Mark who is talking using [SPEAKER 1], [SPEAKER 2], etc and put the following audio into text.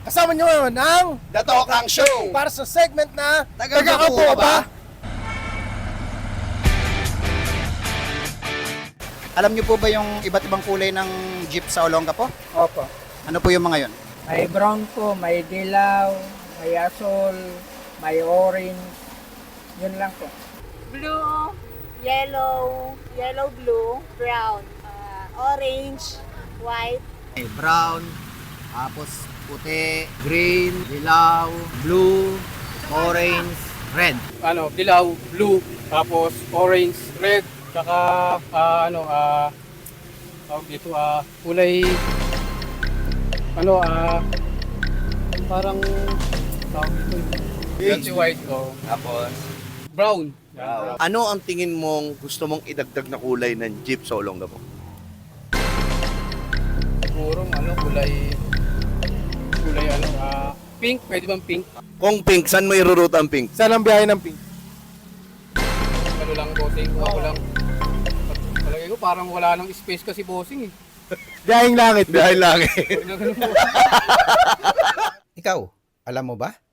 [SPEAKER 1] Kasama nyo ngayon ang
[SPEAKER 2] The Tokang Show!
[SPEAKER 1] para sa segment na
[SPEAKER 2] Taga-Kapo ka ba?
[SPEAKER 3] Alam niyo po ba yung iba't ibang kulay ng jeep sa Olongapo?
[SPEAKER 4] Opo.
[SPEAKER 3] Ano po yung mga yon?
[SPEAKER 4] May brown po, may dilaw, may asol, may orange. Yun lang po.
[SPEAKER 5] Blue, yellow, blue, brown, orange, white.
[SPEAKER 6] Brown, tapos puti, green, dilaw, blue, orange, red.
[SPEAKER 7] Dilaw, blue, tapos orange, red, tsaka tawag dito, kulay parang tawag dito, yung white ko,
[SPEAKER 2] Tapos,
[SPEAKER 7] brown.
[SPEAKER 2] ano ang tingin mong gusto mong idagdag na kulay ng jeep sa Olongapo?
[SPEAKER 7] Siguro kulay pink, pwede bang pink?
[SPEAKER 2] Kung pink, saan mo iruruta ang pink?
[SPEAKER 1] saan ang biyahe ng pink?
[SPEAKER 7] Ano lang bossing, ako lang. Palagay ko parang wala nang space kasi bossing eh.
[SPEAKER 1] Biyaheng langit.
[SPEAKER 2] Dahil lang
[SPEAKER 7] Ganun po.
[SPEAKER 3] Ikaw, alam mo ba?